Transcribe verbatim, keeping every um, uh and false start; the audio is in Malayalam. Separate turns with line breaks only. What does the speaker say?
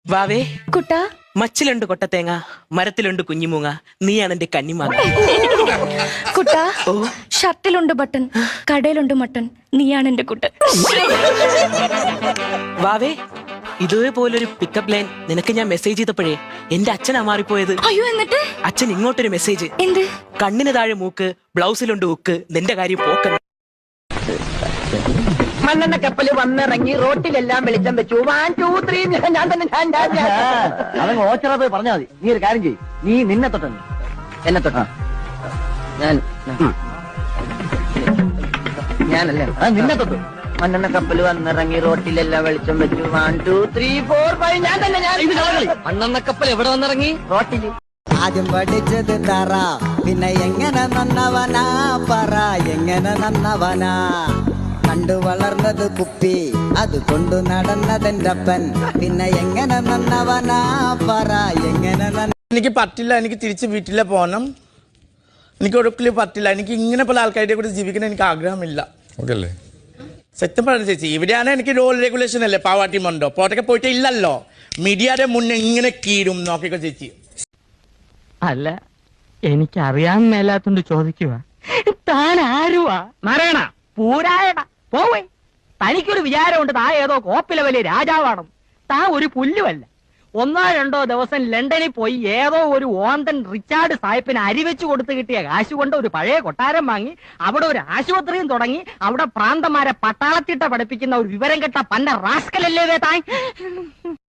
വാവേ
കുട്ടാ,
മച്ചിലുണ്ട് കൊട്ടത്തേങ്ങ, മരത്തിലുണ്ട് കുഞ്ഞിമൂങ്ങ, നീയാണ് എന്റെ കന്നിമാങ്ങ.
കുട്ടാ,
ഓ
ഷർട്ടിലുണ്ട് ബട്ടൺ, കടയിലുണ്ട് മട്ടൺ, നീയാണ് എന്റെ കുട്ടൻ.
വാവേ ഇതേപോലൊരു പിക്കപ്പ് ലൈൻ നിനക്ക് ഞാൻ മെസ്സേജ് ചെയ്തപ്പോഴേ എന്റെ അച്ഛനാ മാറിപ്പോയത്.
അയ്യോ, എന്നിട്ട്
അച്ഛൻ ഇങ്ങോട്ടൊരു മെസ്സേജ്.
എന്ത്?
കണ്ണിന് താഴെ മൂക്ക്, ബ്ലൗസിലുണ്ട് ഉക്ക്, നിന്റെ കാര്യം പോക്ക.
മണ്ണെണ്ണ കപ്പല് വന്നിറങ്ങി റോട്ടിലെല്ലാം വെളിച്ചം വെച്ചു. വൺ ടു ത്രീ ഞാൻ തന്നെ ഞാൻ ഞാൻ
അതങ്ങ് ഓച്ചറ പോയി പറഞ്ഞാൽ മതി. നീ ഒരു കാര്യം ചെയ്യ്, നീ നിന്നെ തൊട്ടുണ്ട്
എന്നെ തൊട്ടാ ഞാൻ ഞാനല്ലേ
ആ നിന്നെ തൊട്ടു.
മണ്ണെണ്ണ കപ്പല് വന്നിറങ്ങി റോട്ടിലെല്ലാം വെളിച്ചം വെച്ചു. One two three four five ഞാൻ തന്നെ ഞാൻ
മണ്ണെണ്ണ കപ്പൽ എവിടെ വന്നിറങ്ങി?
റോട്ടില്.
ആദ്യം പഠിച്ചത് തറ, പിന്നെ എങ്ങനെ നന്നവനാ പറ, എങ്ങനെ നന്നവനാ. കണ്ടു വളർന്നത് കുപ്പി, അത് കൊണ്ടു നടന്നതെന്റെ അപ്പൻ, പിന്നെ എങ്ങനെ നന്നവനാ പറ, എങ്ങനെ നന്ന.
എനിക്ക് പറ്റില്ല, എനിക്ക് തിരിച്ച് വീട്ടിലെ പോകണം. എനിക്ക് ഒരിക്കലും പറ്റില്ല. എനിക്ക് ഇങ്ങനെ പല ആൾക്കാരുടെ കൂടെ ജീവിക്കാൻ എനിക്ക് ആഗ്രഹമില്ല. സത്യം പറഞ്ഞു ചേച്ചി, ഇവിടെയാണ് എനിക്ക് റോൾ റെഗുലേഷൻ അല്ലേ പാവാട്ടി മണ്ടോ പോട്ടൊക്കെ പോയിട്ട് ഇല്ലല്ലോ. മീഡിയയുടെ മുന്നേ ഇങ്ങനെ കീഴും നോക്കിക്കോ ചേച്ചി.
അല്ല, എനിക്കറിയാൻ മേലാത്തോണ്ട് ചോദിക്കുക, താൻ ആരുവാ? നാരായണ പൂരായണ പോവേ. തനിക്കൊരു വിചാരമുണ്ട് താ ഏതോ കോപ്പിലെ വലിയ രാജാവാണ്. താ ഒരു പുല്ലുമല്ല. ഒന്നോ രണ്ടോ ദിവസം ലണ്ടനിൽ പോയി ഏതോ ഒരു ഓന്തൻ റിച്ചാർഡ് സാഹിബിന് അരിവെച്ച് കൊടുത്ത് കിട്ടിയ കാശ് കൊണ്ട് ഒരു പഴയ കൊട്ടാരം വാങ്ങി അവിടെ ഒരു ആശുപത്രിയും തുടങ്ങി അവിടെ പ്രാന്തന്മാരെ പട്ടാളത്തിട്ട പഠിപ്പിക്കുന്ന ഒരു വിവരം കെട്ട പന്ന റാസ്കലല്ലേ താൻ.